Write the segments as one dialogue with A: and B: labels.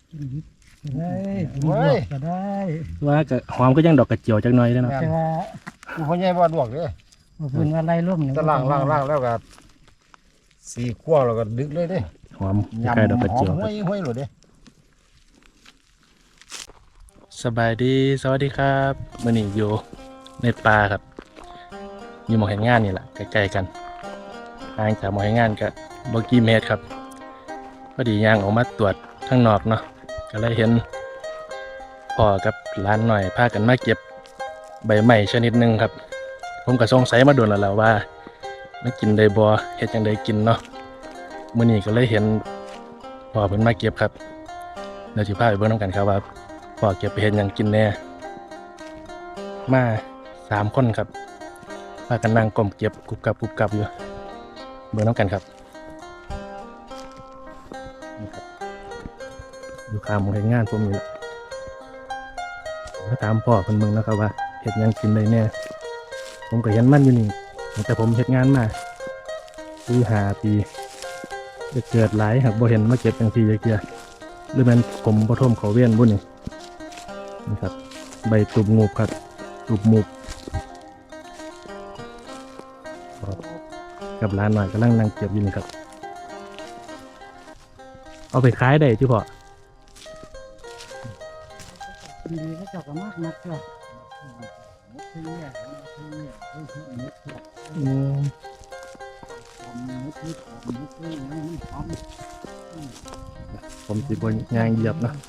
A: ได้กินลวกก็ได้
B: ว่าก็หอมก็ยังดอกกระเจียวจักหน่อยเด้อเนาะ
A: แต่ว่า
C: พ่อใหญ่บ่ลวกเด้อ
A: พื้นว่าไล่ร่มเนี่ย
C: ตะล่างแล้วก็สีขั้วแล้วก็ดึกเลยเด้
B: หอมใกล้ดอกกระเจียว
C: ห้วยเลยเด้
B: สบายดีสวัสดีครับมื้อนี้อยู่ในป่าครับอยู่หม้องเฮ็ดงานนี่แหละใกล้ๆกันห่างจากหม้องเฮ็ดงานก็บ่กี่เมตรครับพอดีย่างออกมาตรวจข้างนอกเนาะก็เลยเห็นพ่อกับหลานหน่อยพากันมาเก็บใบไม้ชนิดหนึงครับผมก็สงสัยมาโดนแล้วว่ามันกินได้บ่เฮ็ดจังไดกินเนาะมื้อนี้ก็เลยเห็นพ่อเพิ่นมาเก็บครับเดี๋ยวสิพาไปเบิ่งนำกันครับว่าพ่อเก็บไปเฮ็ดหยังกินแน่มา3คนครับพากันนั่งก้มเก็บกุบกับอยู่เบิ่งนำกันครับนี่ครับอยู่ข้างหมู่เฮ็ดงานผมนี่แหละมาถามพ่อเพิ่นเบิ่งนะครับว่าเฮ็ดหยังกินได้แน่ผมก็เห็นมันอยู่นี่ตั้งแต่ผมเฮ็ดงานมาคือ5 ปีจะเกิดหลายหากบ่เห็นมาเก็บจังซี่จักเทื่อหรือแม่นผมบ่ท่มเขาเวียนบุนี่นี่ครับใบตุบงูบครับตุบมูบกับร้านหน่อยกำลังนั่งเก็บอยู่นี่ครับเอาไปขายได้ที่พ่อ
A: ดีก็เจ้าก็มากนักจ้ะ
B: อืมผมสิบนยางเหยียบนะ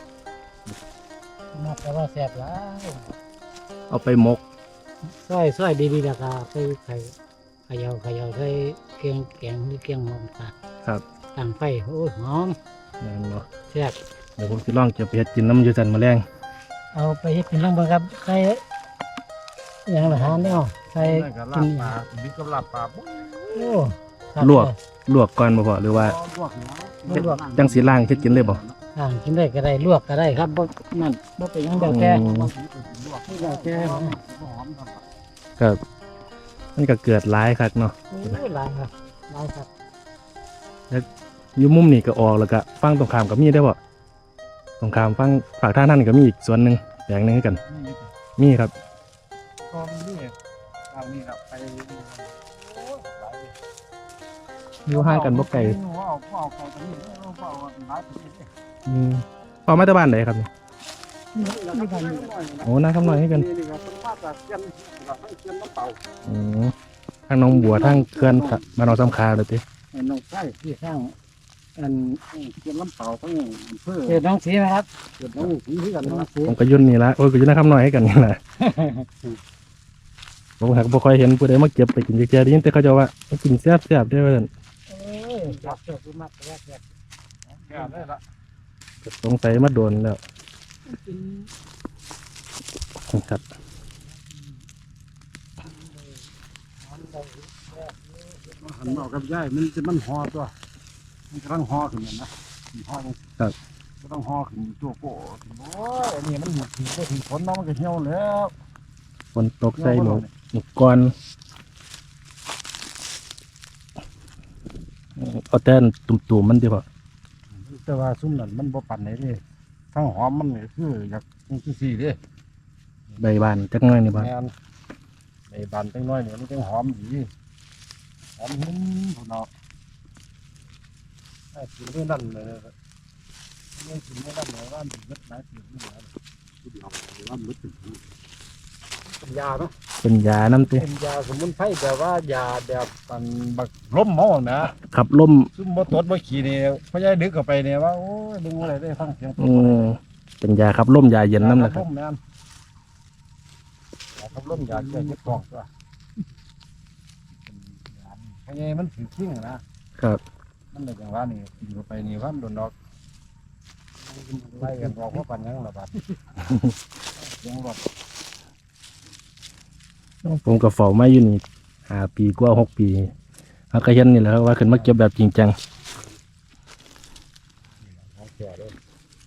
A: มากแต่ว่าแซ่บแล้ว
B: เอาไปหมก
A: ซอยดีๆแล้วก็ไปไข่เขย่าใส่เกียงแกงหรือเกียงหอมค่ะ
B: ครับ
A: ตั้งไฟโอ้ยหอม
B: นั่นเนาะ
A: แซ่บ
B: เดี๋ยวผมสิลองเก็บไปเฮ็ดกินน้ำอยูสันแมาแรง
A: เอาไปเฮ็ดเป็นลองเบิ่งครับใส่อย่างละหาแนวใส่
C: นั่นก็
A: กิ
C: ลาน บปลาบิ๊กกับลาบปลาปุ๊บ
A: โอ้
B: ลวกก่อนบ่พ่อหรือว่า
C: ลวกนะ
A: ลวก
B: จังสีล่างเฮ็ดกินเลยบ่
A: กินได้ก็ได้ลวกก็ได้ครับบ่นั่นบ่เป็นหยังเดียวแก่
B: อืม
A: ไม่เดียวแก่
C: หอมครับ
B: ก็มันก็เกิดหลายคักเนาะ
A: โอ้ยหลายครับหลายครับ
B: อยู่มุมนี่ก็ออกแล้วก็ฝั่งตรงข้ามก็มีได้อบ่ตรงข้ามฝั่งฝากท่างนั่นก็มีอีกส่วนหนึงแปลงหนึงคือกัน
C: นี่
B: มีครับ
C: กองนี่ทางนี้ครับไปโอ้ยหลาย
B: อยู่ห่างกันบ่ไกล
C: เอาของตรงนี้เอาหลายประเทศเลย
B: อืมพ่อมาจากบ้านไหนครับเนี่ยโอ้น่าคำน้อยให้กัน
C: นี่ครับเป็นมาจากเชียงกับทั้งเชียงน้ำเปล่า
B: อืมทางหน้องบัวทางเขื่อนบ้านหนองสำคาเลยติ
C: น้องไส้ที่ข้างอันเชียงน้ำเปล่าทั้งอำเภอ
A: เกิดน้องสีไหมครับ
C: เกิดน้องสีที่กัน
A: น้อง
C: นะ
A: สี
B: ผมก็ยุ่นนี่ละโอ้ยก็ยุ่นน่าคำน้อยให้กันนี่แหละ ผมหักบ่ค่อยเห็นผู้ใดมาเก็บไปกินเจได้ยินแต่เขาจะว่ามากินแซ่บๆได้อว่าซั่น
A: เอ้ยจับเสือคือมากแต่ว่าแซ่บ
C: แก่ได้ละ
B: ก็สงสัยมาโดนแล้ว
A: กิน
B: ครับ
C: หันมากับย่ายมันห่อตัวมันกำลังห่อขึ้นนะห่อก็ต้องห่อขึ้นตัวโป้โอ้ยอันนี้มันหมดถึงก็ถึงฝนน้องมันก็เหี่ยวแล้ว
B: ฝนตกใส่หนูก่อนเอาแต่ตุ่มๆมันดีกว่า
C: แต่ว่าซุ้มนั่นมันบ่ปั่นไหนเลยทั้งหอมมันนี่คืออยากจังซี่เด้
B: ใบบานจักหน่อยนี่บ่
C: แม่นในบานจังน้อยเนี่ยมันจังหอมดีหอมหุ่นพุ่นเนาะไอ้กินเรื่องนั้นเลยไม่กินเรื่องนั้นเลยว่ามันเม็ดหลายปีนี่แหละที่เดียวว่ามันถึงเป็นยาเนาะ
B: เป็นยาน้ำติ
C: เป็นยาสมุนไพรแบบว่ายาแบบมันบักล้มเมานะ
B: ขับลม
C: ซุ่มบ่ตดบ่ขี้นี่พ่อใหญ่ดึกเข้าไปเนี่ยว่าโอ้ยดึงอะไรได้ฟังเสียง
B: เป็นยาขับลมยาเย็นน้ำนะครับ
C: ยาขับลมแม่นยาขับลมยาแก้เจ็บท้องตัวพ่อใหญ่มันถือทิ้งนะครับ มันเลยจังว่านี่กินเข้าไปนี่ว่ามันโดนดอกไล่กันออกว่าปันยังละบาดยังรอด
B: ผมก็เฝ้ามาอยู่นี่5 ปีกว่า6 ปีเขาก็เห็นนี่แหละครับว่าขึ้นมาเก็บแบบจริงจัง
C: ของแก่เลย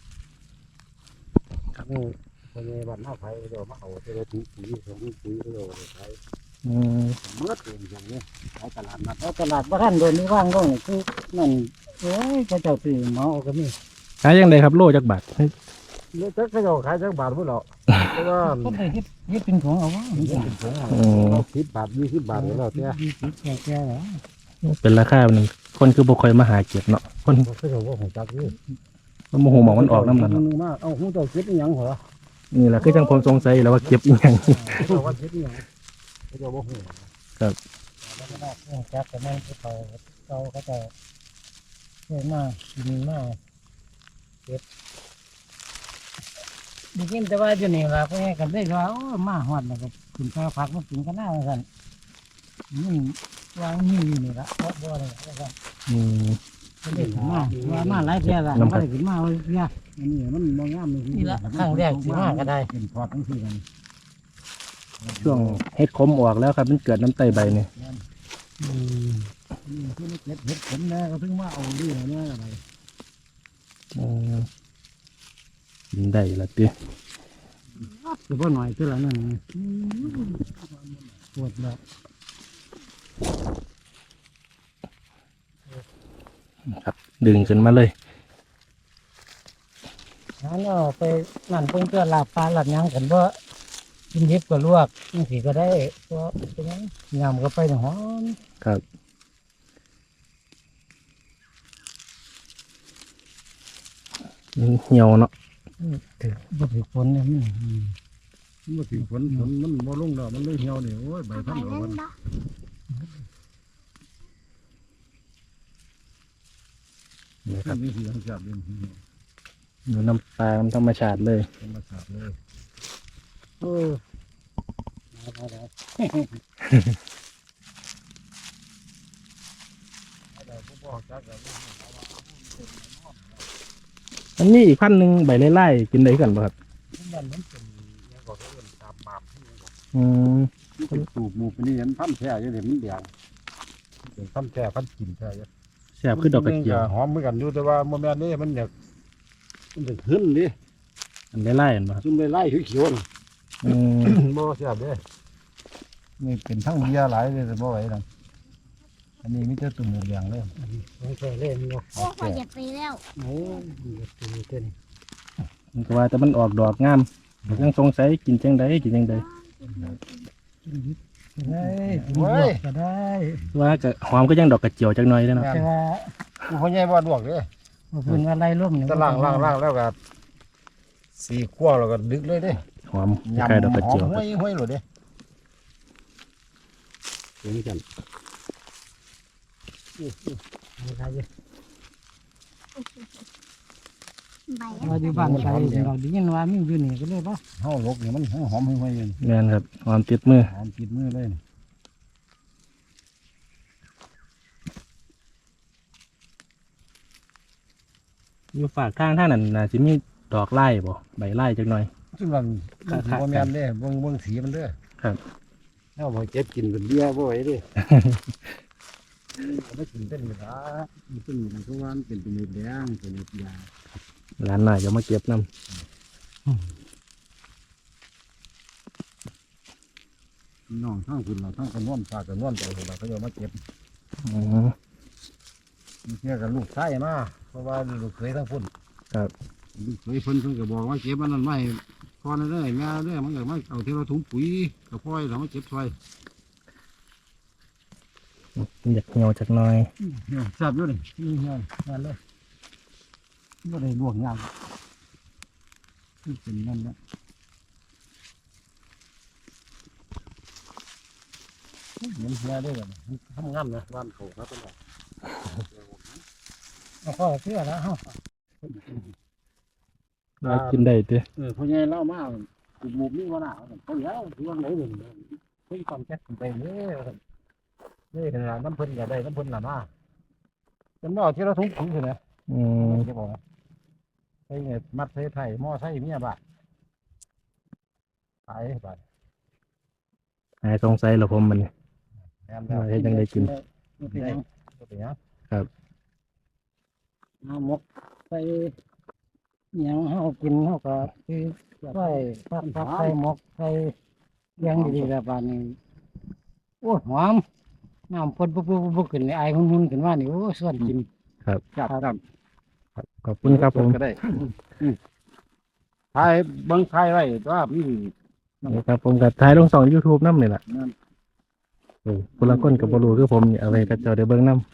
C: ครับพ่อใหญ่บ้านเฮาไผเดี๋ยวมาเอาเจอถุงปุ๋ยถุงปุ๋ยเดี๋ยวไป
B: อืม
C: เมื่อเองอย่างนี้ขายตลาดนัด
A: เอาตลาดบ้านโดนนี่ว่างก็คือนั่นโอ้ยพระเจ้าตื่นหมอเอาก็มี
B: ขายยังไงครับโลจักบาท
C: เลือจักเขาเจ้าขายจักบาทพุ่นเหรอเพราะว่า
A: ก็ได้เฮ็ดเป็นของเอาวะ
C: มันเป็นถุง10 บาท20 บาทแล้วแต่
A: แก่ๆแล้ว
B: เป็นราคาหนึ่งคนคือบ่ค่อยมาหาเก็บเนาะคน
C: เขาเจ้าว่าของจักนี่
B: มันโมโหหมองมันออกน้ำนั่นเนาะ
C: มาเอาหูเจ้าเก็บอีหยังเหรอ
B: นี่แหละคือจังผมสงสัยแล้วว่าเก็บอีหยัง
C: เจ้าว่าเก็บอีหยังเขาเจ้าบ่ฮู้
A: แล้วก็ได้จักแต่แม่นเขาเขาจะเฮ็ดมากินมาเก็บได้ยินแต่ว่าอยู่นี่ล่ะก็ให้กันได้ว่าโอ้มาฮอดแล้วก็กินข้าวผักมากินกันหน้าว่าซั่นมันวางมีอยู่นี่ล่ะบ่เลยว่าซั่น
B: อืม
A: ไม่ได้ขึ้นมาว่ามาหลายเที่ยละ
B: น้ำ
A: ไม่ได้ขึ้นมาเลยเนี่ย
C: อันนี้มันบ่งามเลย
A: นี่ละครั้งแรกสิมาก็ได้
C: เป็นพอดทั้งสี่กัน
B: ช่วงเฮ็ดขมออกแล้วครับมันเกิดน้ำไตใบนี่
C: นี่คือเก็บเห็ดผมแน่ก็ถึงมาเอาดีแน่อะไร
B: อืมกินได้ละติ
A: คือพ่อหน่อยคือละนั่นปวดแล้ว
B: ครับ ดึงขึ้นมาเลย
A: งั้นเอาไปนั่นเพิ่งเตือนลาบปลาหลับยังกันว่ากินดิบก็ลวกนี่สิก็ได้ก็เป็นยังยำก็ไปหอม
B: ครับมันเหี่ยวเนาะ
A: ถือบ่ถือฝนเนี่ยมัน
C: มันบ่ถึงฝนมันบ่ลงแล้วมันเลยเหี่ยวนี่โอ้ยใบพันธุ์มัน
B: นี่ครับ
C: นี่คือธรรมชาติเลย
B: อยู่น้ำปลาธรรมชาติเลย
C: ธรรมชาติเลย
A: เออ
B: อันนี้อีกพันหนึ่งใบไล่ๆกินได้กันป่ะครับ
C: มันเป็นยังก็เอิ้นตามมามที่ยังก็
B: อืม
C: มันเป็นสูบหมู่เป็นนี่เห็นพันธุ์แท้อยู่เห็นมันแดงเป็นพันธุ์แท้พันธุ์กินแท้อยู่
B: แซ่บคือดอกกระเจียว
C: หอมเหมือนกันอยู่แต่ว่าโมแมนนี่มันอยากมันจะขึ้นดิ
B: อันไล่ๆกันป่ะครับ
C: ซุ่มไล่เขียวๆน่ะ
B: อืม
C: บ่เสียบเด้นี่เป็นทั้งเบียร์หลายเลยแต่บ่ไหวนั่นอันนี้มีแต่ตุ่มหมูแดงเลย
A: ไม่ใช่เล่นเนาะ
D: โอ้พอเหยียบไปแล้ว
A: โอ้ยตัวนี้ตัวนี้
B: มันก็ว่าแต่มันออกดอกงามผมยังสงสัยกินจังใดกินจังใด
A: ได้กินลวกก็ได้
B: ว่าก็หอมก็ยังดอกกระเจียวจักหน่อยแล้วเนาะ
A: แต่ว่า
C: กูพ่อใหญ่บ่ลวกเด้
A: ว่าเพิ่นว่าไล่ร่มเนี่ย
C: จะล้างแล้วก็สีขั้วแล้วก็ดึกเลยเด้
B: หอมคล้ายๆดอกกระเจียว
C: ห้วยเลยเด้เห็นกัน
A: อะไรอยู่
D: ใบ
A: เราอยู่บ้านไกลเราได้ยินว่ามีอยู่นี่ก็เลยป่ะ
C: เฮาลกนี่มันหอมห้วยๆอยู่
B: แม่นครับหอมติดมือ
C: หอมติดมือเลย
B: อยู่ฝากข้างท่างนั้นน่าสิมีดอกไล่บ่ใบไล่จักหน่อย
C: ซึ่งมัน
B: ครับ
C: บ่แม่นเด้เบิ่งสีมันเด้อ
B: ครับ
C: เฮาบ่เก็บกินเป็นเบียร์บ่ไหวเด้ไม่กินเป็นเวลามันเป็นเพราะว่ามันเป็นเม็ดแดงเป็นเม็ดยา
B: ร้านหน่อยจะมาเก็บน้
C: น้องทั้งคุณเราทั้งกันนวลปลากันนวลไปเราก็จะมาเก็บ
B: ำอืม
C: มีเชื่อกันลูกชายมาเพราะว่าลูกเคยทั้งพุ่น
B: ครับ
C: ลูกเคยเพิ่นก็บอกว่าเก็บมันนั่นไม่พอนั่นเลยแม่เลยมันก็มาเอาที่เราถุงปุ๋ยกับพ่อยเรามาเก็บซอย
B: อยากเหี่ยวจักหน่อย
C: ทราบอยู่นี่นี่เงี้ยนั่นเลยไม่ได้บวกงานเป็นนั่นนะเหมือนเฮียได้แบบทำงานนะบ้านเขาครับเป็นไร
A: เอาข้อเชื่อแล้วเฮา
B: ว่ากินได้เด้
C: พ่อใหญ่เล่ามากกลุ่มนี้ว่าหน้าเขาแล้วถือว่าไหนหนึ่งเพิ่งความแจ็คไปเลยนี่เป็นน้ำเพิ่นอย่าได้น้ำเพิ่นหล่ะมาเป็นบ่อที่เราทุกข์คือไง
B: อืม
C: จะบอกใช่ไงมัดใส่ไทยหม้อใส่เมียบาทตายบาท
B: หายสงสัยเหรอผมมันนี่
C: แอนแล้ว
B: เฮ็ดจั่งใดกิน
A: มันเป็นหยัง
C: เป็นยัง
A: เอาหมกไปหยังเฮากินเฮาก็คือใส่ผักใส่หมกใส่หยังดีๆแบบว่านี้โอ้ยหอมน้ำพ่นปุ๊บๆๆขึ้นในไอหุ่นๆขึ้นมานี่โอ้ยส่วนกิน
C: จับ
B: ขอบคุณครับผม
C: ก็ได้ถ่ายเบิ่งถ่ายไว้ว่ามี
B: นี่ครับผมก็ถ่ายลงช่อง YouTube นำนี่ล่ะ
C: นั่น
B: ผู้ละคนก็บ่รู้คือผมนี่เอาไว้ก็เจ้าได้เบิ่งนำ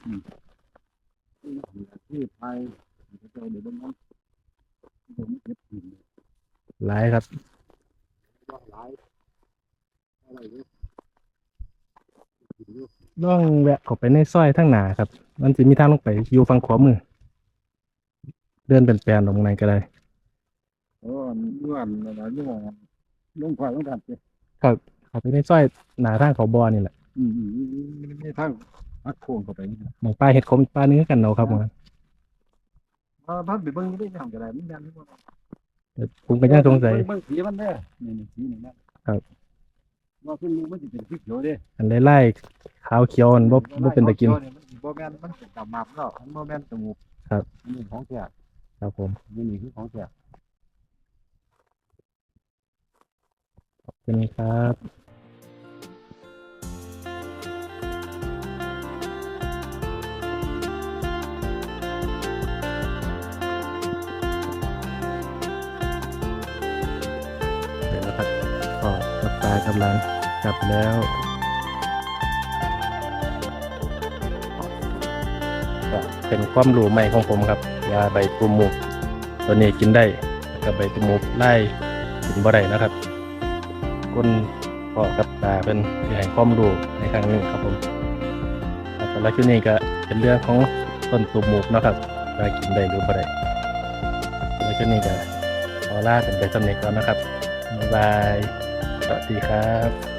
C: ที่ถ่ายเจ้าเดี๋ยวเบิ่งนั้นผมเก็บหิน
B: หลายครับ
C: ย่องหลายอะไรอยู่
B: ต้องแวะเข้าไปในซอยทางหน้าครับ มันสิมีทางลงไปอยู่ฝั่งขวามือ เดินเป็นแปลนลงในก็ได้
C: โอ้ย้อนอะไรนี่ว่าลงควายลงดันสิ
B: เข้าไปในซอยหน้าทางเขาบ่อนี่แหละ
C: มันมีทางอักโค้งเข้าไปนี่นะ
B: หมองป้าเฮ็ดขมป้าเนื้อกันเนาะครับผม
C: บ้านไปเบิ่งได้ยังก็ได้มันยันนี่บ่
B: แต่ผมก็ยังสงสัย
C: เบิ่งสีมันเด้อนี่สีนี่นะครับ ว่าขึ้นมันสิเป็นสีเขียวเด้
B: อันไล่ๆขาวเขียวมันบ่เป็นตะกิน
C: มันบ่แม่นมันเป็นตามับเนาะมันบ่แม่นจมูก
B: ครับ
C: นี่ของแท้
B: ครับผม
C: นี่คือของแท้
B: ขอบคุณครับเดี๋ยวนะครับก็กับตากับหลานกลับแล้วก็เป็นความรู้ใหม่ของผมครับยาใบตูมูกตัวนี้กินได้แล้วก็ใบตูมูกไล่กินบ่ได้นะครับคนพ่อกับตาเป็นที่ให้ความรู้ในครั้งนี้ครับผมแล้วสำหรับที่นี้ก็เป็นเรื่องของต้นตูมูกเนาะครับว่ากินได้หรือบ่ได้แล้วที่นี้ก็ขอลากันไปสำเร็จก่อนนะครับบ๊ายบายสวัสดีครับ